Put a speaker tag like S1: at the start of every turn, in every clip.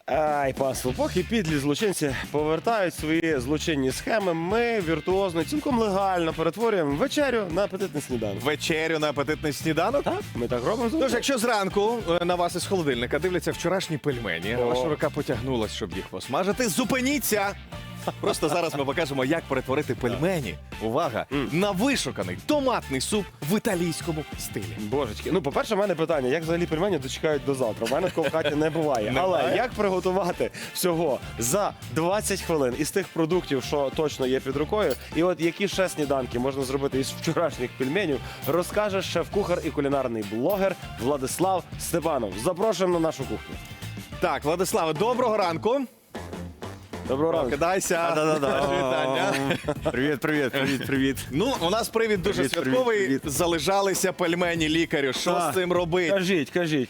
S1: Ай, паство, поки підлі злочинці повертають свої злочинні схеми, ми віртуозно, цілком легально перетворюємо вечерю на апетитний сніданок.
S2: Вечерю на апетитний сніданок?
S1: Так, ми так робимо.
S2: Тож, якщо зранку на вас із холодильника дивляться вчорашні пельмені, а
S1: О.
S2: ваша рука потягнулась, щоб їх посмажити, зупиніться! Просто зараз ми покажемо, як перетворити пельмені, увага, на вишуканий томатний суп в італійському стилі.
S1: Божечки, ну, по-перше, в мене питання, як взагалі пельмені дочекають до завтра? У мене такого в хаті не буває. Але як приготувати всього за 20 хвилин із тих продуктів, що точно є під рукою, і от які ще сніданки можна зробити із вчорашніх пельменів, розкаже шеф-кухар і кулінарний блогер Владислав Степанов. Запрошуємо на нашу кухню.
S2: Так, Владиславе, доброго ранку.
S1: Доброго ранку.
S2: Кидайся. Вітання.
S3: Привіт.
S2: Ну, у нас привід дуже
S3: Привіт,
S2: святковий.
S3: привіт.
S2: Залежалися пельмені лікарю. Що
S3: Так.
S2: з цим робити?
S1: Кажіть.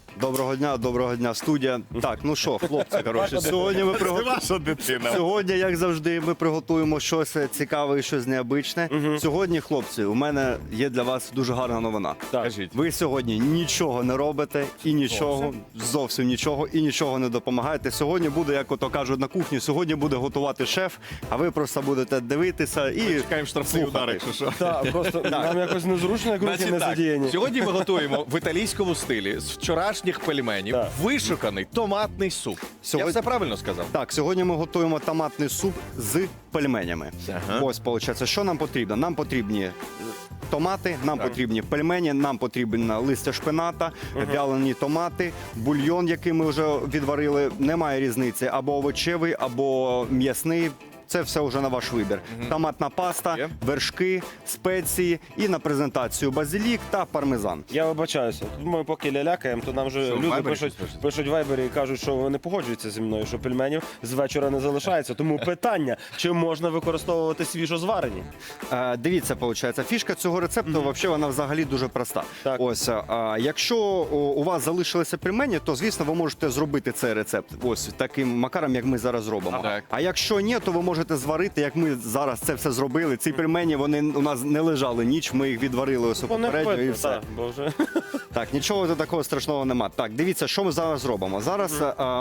S3: Доброго дня, студія. Так, ну що, хлопці, коротше,
S2: Ваша дитина.
S3: Сьогодні, як завжди, ми приготуємо щось цікаве і щось необичне. Сьогодні, хлопці, у мене є для вас дуже гарна новина.
S1: Так.
S2: Кажіть.
S3: Ви сьогодні нічого не робите і нічого, зовсім нічого, і нічого не допомагаєте. Сьогодні буде, як ото кажуть на кухні, сьогодні буде готувати шеф, а ви просто будете дивитися і
S2: Чекаємо штрафний удар, якщо що.
S1: Так, просто нам якось незручно, як руки
S2: Значить
S1: не
S2: так,
S1: задіяні.
S2: сьогодні ми готуємо в італійському стилі з вчорашніх пельменів
S1: Так.
S2: вишуканий томатний суп.
S3: Сьогодні-
S2: Я все правильно сказав?
S3: Так, сьогодні ми готуємо томатний суп з пельменями.
S2: Ага.
S3: Ось, виходить, що нам потрібно? Нам потрібні томати, нам потрібні пельмені, нам потрібно листя шпината, вялені томати, бульйон, який ми вже відварили. Немає різниці, або овочевий, або м'ясний. Це все вже на ваш вибір. Томатна паста,
S2: Є.
S3: вершки, спеції і на презентацію базилік та пармезан.
S1: Я вибачаюся. Тут ми поки лялякаємо, то нам вже
S2: Що, в
S1: люди
S2: Вайбері
S1: пишуть,
S2: щось пишуть?
S1: пишуть в вайбері і кажуть, що вони погоджуються зі мною, що пельменів з вечора не залишається. Тому питання, чи можна використовувати свіжозварені?
S3: Дивіться, виходить, фішка цього рецепту вона взагалі дуже проста.
S1: Так.
S3: Ось, якщо у вас залишилися пельмені, то звісно ви можете зробити цей рецепт ось таким макаром, як ми зараз робимо.
S2: Так.
S3: А якщо ні, то ви можете зварити, як ми зараз це все зробили. Ці пельмені вони у нас не лежали ніч, ми їх відварили ось попередньо і все.
S1: так, бо вже...
S3: Так, нічого такого страшного нема. Так, дивіться, що ми зараз робимо. Зараз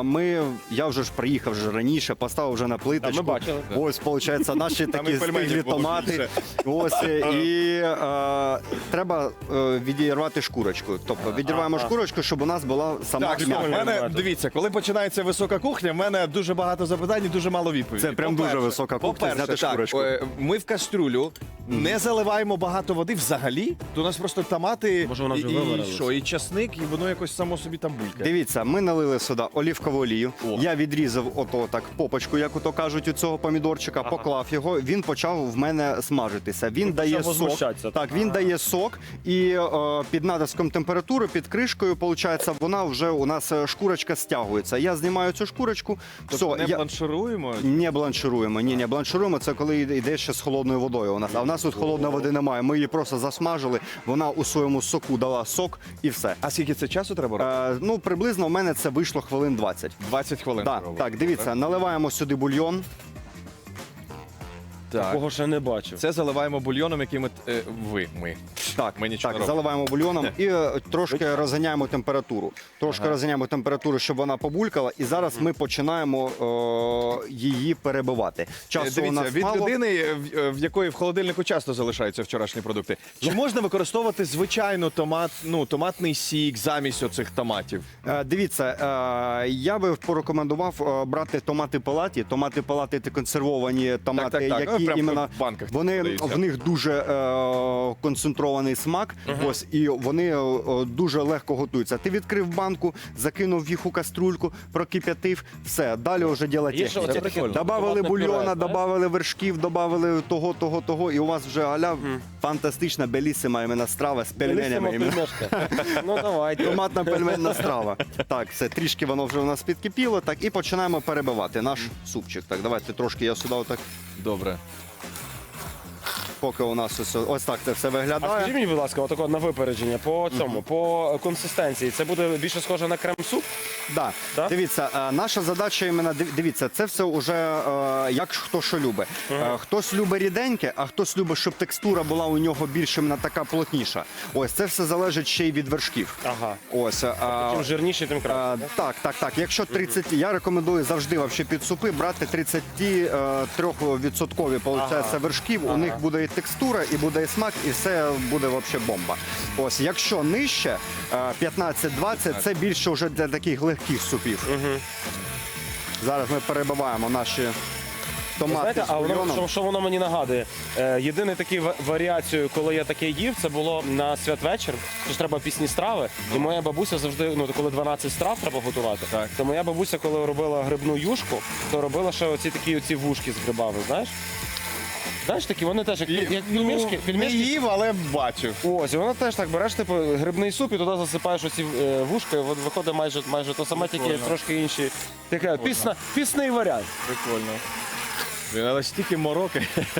S3: я вже ж приїхав вже раніше, поставив вже на плиточку.
S1: ми бачили.
S3: Ось, виходить, наші
S2: Там і
S3: такі
S2: пельменів
S3: стиглі
S2: було
S3: томати.
S2: більше.
S3: Ось, і треба відірвати шкурочку. Тобто відірваємо шкурочку, щоб у нас була сама
S2: Так,
S3: м'яка.
S2: в мене,
S1: Нормально.
S2: дивіться, коли починається висока кухня, в мене дуже багато запитань і дуже мало відповідей.
S3: Це прям дуже висока кухня,
S2: по-перше,
S3: зняти
S2: так,
S3: шкурочку.
S2: ми в кастрюлю не заливаємо багато води взагалі, то у нас просто томати
S1: Може, вона вже
S2: і
S1: виварилась?
S2: що, і часник, і воно якось само собі там булькає.
S3: Дивіться, ми налили сюди олівкову олію.
S2: О.
S3: Я відрізав ото так попочку, як ото кажуть, у цього помідорчика, поклав його. Він почав в мене смажитися. Він дає
S1: почав
S3: сок.
S1: возмущатися.
S3: Так, він дає сок, і під натиском температури, під кришкою, виходить, вона вже у нас шкурочка стягується. Я знімаю цю шкурочку.
S2: Тобто
S3: все,
S2: не бланшируємо?
S3: не бланшируємо. Ні, не бланшируємо. Це коли йде ще з холодною водою у нас. А в нас тут холодної води немає. Ми її просто засмажили. Вона у своєму соку дала сок і все.
S2: А скільки це часу треба робити?
S3: Ну, приблизно в мене це вийшло хвилин 20.
S2: 20 хвилин.
S3: Так,
S2: робимо.
S3: так, дивіться, наливаємо сюди бульйон.
S2: Так.
S1: Кого ще не бачив.
S2: Це заливаємо бульйоном, який ми... Ми.
S3: Так,
S2: Ми нічого
S3: так,
S2: не робимо.
S3: заливаємо бульйоном і трошки розганяємо температуру. Трошки розганяємо температуру, щоб вона побулькала. І зараз ми починаємо її перебивати. Часу у
S2: Дивіться,
S3: нас
S2: від
S3: мало.
S2: людини, в якої в холодильнику часто залишаються вчорашні продукти. Чи можна використовувати звичайно томатний сік замість оцих томатів?
S3: Дивіться, я би порекомендував брати томати палаті. Томати палаті – це консервовані томати,
S2: Так.
S3: які
S2: Прям
S3: іменно
S2: в банках
S3: вони
S2: продаються.
S3: в них дуже концентрований смак. Ось і вони дуже легко готуються. Ти відкрив банку, закинув їх у каструльку, прокип'ятив, все. Далі вже діло
S1: Є ще оце
S3: техніки.
S1: прикольно.
S3: Добавили
S1: Томатне пюре,
S3: бульйона,
S1: знаєш?
S3: добавили вершків, добавили того, і у вас вже аля фантастична, белісима іменно страва з пельменями.
S1: Белісимо пельмешка. Ну, давайте.
S3: Томатна пельменна страва. Так, все, трішки воно вже у нас підкипіло. Так, і починаємо перебивати наш супчик. Так, давайте трошки я сюди отак.
S2: Добре.
S3: поки у нас ось так це все
S1: А скажіть
S3: виглядає.
S1: мені, будь ласка, отако на випередження по цьому, по консистенції. Це буде більше схоже на крем-суп?
S3: Да.
S1: Да?
S3: Дивіться, наша задача іменно, дивіться, це все вже як хто що любить. Хтось любить ріденьке, а хтось любить, щоб текстура була у нього більш іменно така плотніша. Ось це все залежить ще й від вершків.
S1: Ага.
S3: Ось.
S1: Чим жирніше, тим краще.
S3: Так. Якщо 30, я рекомендую завжди вообще під супи брати 33% получається вершків. У них буде і текстура, і буде і смак, і все буде вообще бомба. Ось, якщо нижче 15-20, це більше вже для таких легких супів. Зараз ми перебиваємо наші томати
S1: Знаєте,
S3: з
S1: а
S3: бульйоном.
S1: що воно мені нагадує? Єдиний такий варіацію, коли я таке їв, це було на святвечір. Тож треба пісні страви. І моя бабуся завжди, коли 12 страв треба готувати, то моя бабуся, коли робила грибну юшку, то робила ще оці вушки з грибами, знаєш? Знаєш, такі, вони теж, як
S2: Не
S1: пельмешки.
S2: їв, але бачив.
S1: Ось, і вона теж так береш, типу, грибний суп і туди засипаєш оці вушки, і от виходить майже то саме, тільки трошки інші. Таке, пісний варіант.
S2: Прикольно. Він але стільки мороки.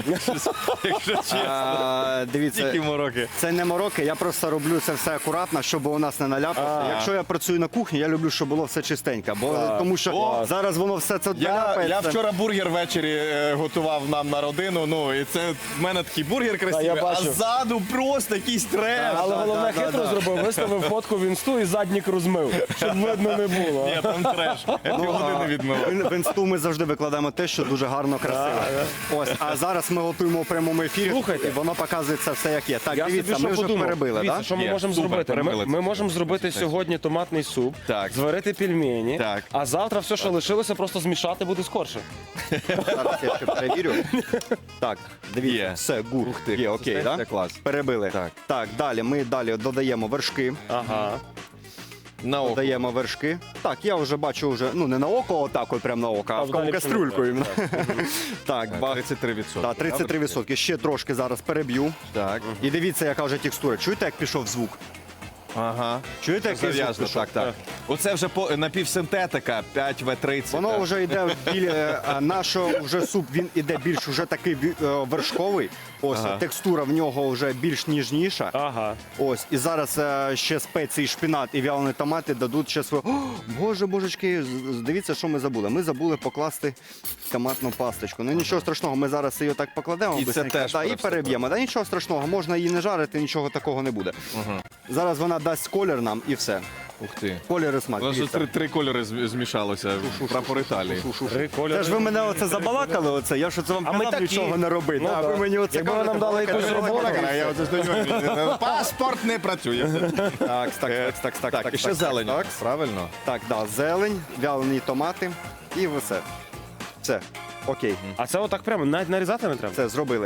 S2: Якщо чесно.
S3: Дивіться,
S2: Стільки мороки.
S3: це не мороки, я просто роблю це все акуратно, щоб у нас не наляпалося. Якщо я працюю на кухні, я люблю, щоб було все чистенько, тому що
S2: О!
S3: зараз воно все це
S2: Я
S3: наляпається.
S2: вчора бургер ввечері готував нам на родину. Ну і це в мене такий бургер красивий,
S1: я
S2: а
S1: бачу.
S2: ззаду просто якийсь треш.
S1: Але головне
S3: да,
S1: хитро
S3: да.
S1: зробив, виставив фотку в інсту і заднік розмив, щоб видно не було.
S2: Ні, там треш. Я 2 години відмивав.
S3: В інсту ми завжди викладаємо те, що дуже гарно, красиво. Ось, а зараз ми готуємо в прямому ефірі,
S1: Слухайте.
S3: і воно показується все як є. Так,
S1: Я
S3: дивіться,
S1: собі
S3: ми
S1: що
S3: вже
S1: подумав.
S3: перебили,
S1: Дивіться,
S3: так?
S1: що ми
S2: Є,
S1: можемо
S2: супер,
S1: зробити?
S2: перебили
S1: Ми
S2: це.
S1: можемо зробити сьогодні томатний суп,
S2: Так.
S1: зварити пельмені,
S2: Так.
S1: а завтра все, що лишилося, просто змішати буде скорше.
S3: Зараз я ще перевірю. Так, дивіться,
S2: Є.
S3: все, гуд.
S2: Ух ти,
S3: Є, окей,
S2: це
S3: так?
S2: клас.
S3: Перебили.
S2: Так.
S3: Так, далі ми додаємо вершки.
S1: Ага.
S2: На око.
S3: Додаємо вершки. Так, я вже бачу, не на око, отак, от прямо на око, а в
S1: далі
S3: кастрюльку.
S1: пшено,
S3: іменно. Так,
S2: 33%.
S3: Так, 33%. Ще трошки зараз переб'ю.
S2: Так.
S3: І дивіться, яка вже текстура. Чуєте, як пішов звук?
S2: Ага.
S3: Чуєте, як звук
S2: Зав'язано,
S3: пішов?
S2: так. Оце вже напівсинтетика, 5В30.
S3: Воно
S2: так.
S3: вже йде нашого вже суп, він іде більш вже такий вершковий. Ось
S2: Ага.
S3: текстура в нього вже більш ніжніша.
S1: Ага.
S3: Ось, і зараз ще спеції, шпинат і вялені томати дадуть ще свою. О, Боже, божечки, дивіться, що ми забули. Ми забули покласти томатну пасточку. Ну нічого страшного, ми зараз її так покладемо.
S2: І це
S3: бистренько,
S2: теж
S3: і
S2: просто
S3: переб'ємо. Да, нічого страшного, можна її не жарити, нічого такого не буде. Зараз вона дасть колір нам і все.
S2: Ух ти.
S3: Колір і смак.
S2: У нас
S3: Дивіться.
S2: три кольори змішалося. Прапор Італії.
S1: Три кольори.
S3: Це ж ви мене оце забалакали, оце. Я ж це вам
S1: А ми
S3: казав
S1: такі.
S3: нічого не робити.
S1: Ну,
S3: а
S1: да.
S3: ви мені оце
S1: Якби ви
S3: кажете,
S1: нам дали
S3: балакали,
S1: якусь
S3: балакали.
S1: роботу,
S2: Я оце стою. Паспорт не працює.
S3: Так,
S2: І ще зелень.
S3: Так,
S2: Правильно?
S3: так, да, зелень, вялені томати і все. Все, окей.
S1: А це отак прямо, навіть нарізати не треба?
S3: Це зробили.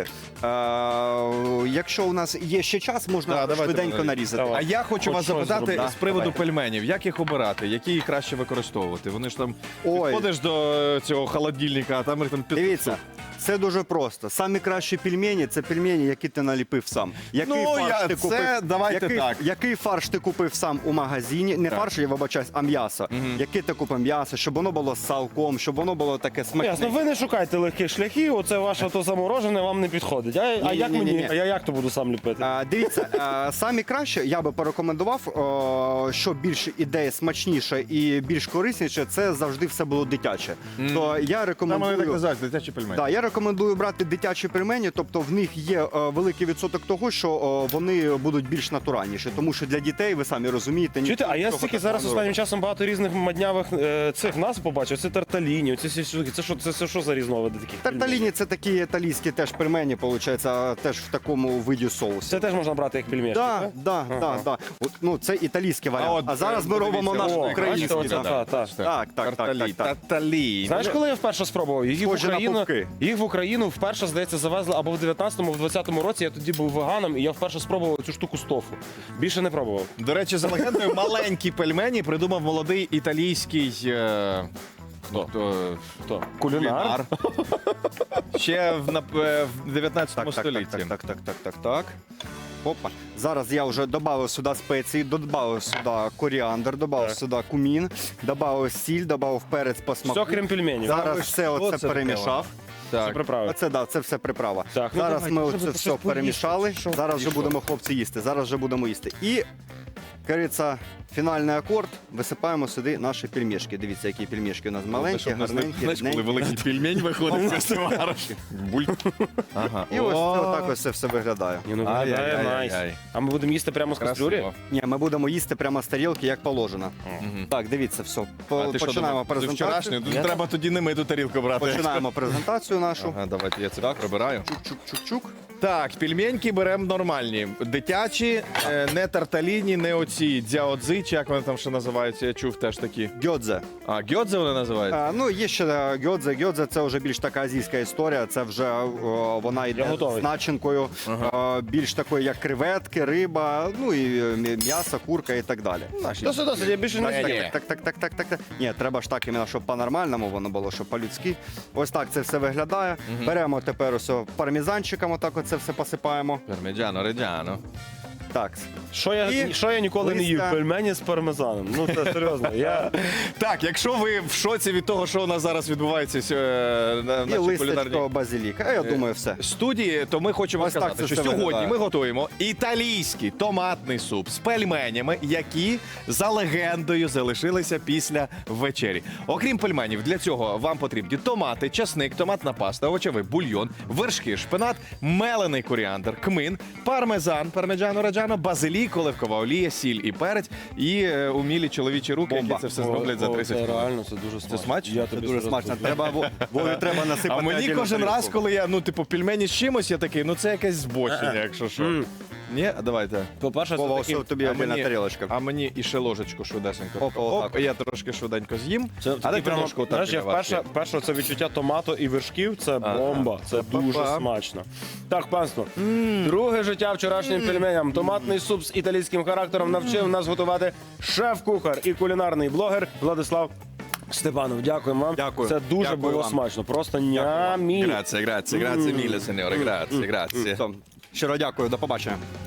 S3: Якщо у нас є ще час, можна
S2: Да, давайте
S3: швиденько
S2: ми-
S3: нарізати.
S1: Давай.
S2: А я хочу
S1: Хоч
S2: вас
S1: щось
S2: запитати
S1: зробити.
S2: з приводу
S3: Давай.
S2: пельменів. Як їх обирати? Які їх краще використовувати? Вони ж там
S3: Ой.
S2: підходиш до цього холодильника, а там їх там 500
S3: Дивіться,
S2: штук.
S3: це дуже просто. Самі кращі пельмені це пельмені, які ти наліпив сам. Який
S2: давайте так.
S3: Який фарш ти купив сам у магазині? Не фарш, я вибачаюсь, а м'ясо. Яке ти купив м'ясо, щоб воно було з салком, щоб воно було таке
S1: Ясно,
S3: смачне.
S1: ви не шукайте легких шляхів, оце ваше то заморожене вам не підходить. А як
S3: Ні-ні-ні-ні.
S1: мені? А я як то буду сам ліпити?
S3: Дивіться, самі краще я би порекомендував, що більш ідея смачніше і більш корисніше, це завжди все було дитяче. То я
S2: Там вони так
S3: рекомендую.
S2: називають, дитячі пельмені.
S3: Да, я рекомендую брати дитячі пельмені, тобто в них є великий відсоток того, що вони будуть більш натуральніші, тому що для дітей, ви самі розумієте,
S1: Чуєте, а я
S3: нічого
S1: стільки
S3: такого
S1: зараз
S3: не
S1: останнім
S3: робить.
S1: часом багато різних маднявих цих назв побачив. Це тарталіні, оці всі штуки. Це що за різновиди такі?
S3: Тарталіні це такі італійські теж пельмені, виходить, теж в такому виді соусу.
S1: Це теж можна брати як пельмешки,
S3: Так,
S1: так?
S3: да. Ну, це італійський варіант. А зараз ми робимо наш
S2: О,
S3: український.
S1: бачите, оце
S3: да.
S1: так.
S3: Так.
S2: Таталі.
S1: Знаєш, коли я вперше спробував?
S3: Схожі на пупки.
S1: Їх в Україну вперше, здається, завезли або в 19-му, в 20-му році. Я тоді був веганом, і я вперше спробував цю штуку з тофу. Більше не пробував.
S2: До речі, за легендою, маленькі пельмені придумав молодий італійський
S1: Хто? Кулінар?
S2: Ще в 19 столітті.
S3: Так. Опа. Зараз я вже додав сюди спеції, додав сюди коріандр, додав сюди кумін, додав сіль, додав перець по смаку.
S1: Все, крім пельменів.
S3: Зараз все
S2: Що
S3: оце
S2: це
S3: перемішав.
S2: Так.
S1: Це приправи.
S3: Оце, да, це все приправа.
S1: Так, ну
S3: Зараз
S1: давайте,
S3: ми
S1: щоб
S3: це
S1: ви
S3: все
S1: щось
S3: перемішали.
S1: поїсти, що?
S3: Зараз
S1: І
S3: вже
S1: що?
S3: будемо, хлопці, їсти. Зараз вже будемо їсти. І, кажеться, фінальний акорд. Висипаємо сюди наші пельмешки. Дивіться, які пельмешки у нас маленькі,
S2: Щоб не
S3: гарненькі,
S2: знаєш, коли
S3: рідненькі.
S2: великий пельмень виходить, це свариш. Буль. Ага.
S3: І ось
S2: О,
S3: це отак ось це все виглядає.
S1: Ні, ну виглядає
S2: Ай-яй-яй-яй.
S1: найс. А ми будемо їсти прямо з кастрюлі?
S2: красиво.
S3: Ні, ми будемо їсти прямо з тарілки, як положено.
S2: Мгм.
S3: Так, дивіться, все.
S2: А ти що
S3: Починаємо
S2: думав, ти вчорашню?
S3: презентацію.
S2: Треба тоді не ми ту тарілку брати.
S3: Починаємо презентацію нашу.
S2: Ага, давайте я це прибираю.
S3: Чук-чук-чук-чук.
S2: Так, пельменьки беремо нормальні. Дитячі, не тарталіні, не оці дзяодзи, чи як вони там ще називаються, я чув теж такі.
S3: Гьодзе.
S2: А, гьодзе вони називаються?
S3: Ну, є ще гьодзе. Гьодзе це вже більш така азійська історія. Це вже вона йде
S1: готовий.
S3: з начинкою, більш такою, як креветки, риба, ну і м'ясо, курка і так далі.
S2: Наші.
S1: Досить, я більше не
S2: Ні,
S1: знаю.
S2: ні.
S3: Так. Ні, треба ж так, іменно, щоб по-нормальному воно було, щоб по-людськи. Ось так це все виглядає. Беремо тепер ось пармезанчиком, отак оце все посипаємо.
S2: Пармеджано, реджано.
S3: Так.
S1: Що я ніколи не їв?
S3: листя.
S1: Пельмені з пармезаном. Ну це серйозно.
S2: Так, якщо ви в шоці від того, що у нас зараз відбувається на
S3: І
S2: нашій
S3: листечко
S2: кулінарній
S3: базиліка. А я думаю, все.
S2: студії, то ми хочемо
S3: Ось так
S2: сказати,
S3: це
S2: що
S3: все
S2: сьогодні
S3: виглядає.
S2: ми готуємо італійський томатний суп з пельменями, які за легендою залишилися після вечері. Окрім пельменів, для цього вам потрібні томати, часник, томатна паста, овочевий бульйон, вершки, шпинат, мелений коріандр, кмин, пармезан, пармеджано раджано, базилік, оливкова олія, сіль і перець, і умілі чоловічі руки,
S3: Бомба.
S2: які це все зроблять за 30
S1: Це
S2: хвилин.
S1: реально, це дуже смачно.
S2: смачно?
S1: Я
S2: Це
S1: тобі
S3: Дуже
S1: зараз
S3: смачно.
S1: скажу.
S3: Треба Вові треба насипати.
S2: А мені
S3: отдільну
S2: кожен раз,
S3: тарілку.
S2: коли я, пельмені з чимось, я такий, це якесь збочення, якщо що. Ні, а давайте.
S1: По-перше, це
S3: Вова,
S1: такий-
S3: ось тобі отдільна тарілочка.
S2: А мені і ще ложечку швидесенько.
S3: Оп, отак.
S2: Я трошки швиденько з'їм.
S1: Це
S2: а
S1: такий
S2: дайте
S1: прямо,
S2: ложку отак.
S1: знаєш, як
S2: біля вас є.
S1: перше це відчуття томату і вершків, це бомба, це дуже
S2: Па-па-па.
S1: смачно. Так, панство, друге життя вчорашнім пельменям. Томатний суп з італійським характером навчив нас готувати шеф-кухар і кулінарний блогер Владислав Степанов. Дякуємо вам.
S3: Дякую.
S1: Це дуже
S3: Дякую
S1: було
S3: вам.
S1: смачно. Просто
S3: вам.
S1: нямі.
S2: Grazie, grazie, grazie mille, signore. Grazie, grazie.
S3: Все. Щиро дякую, до побачення.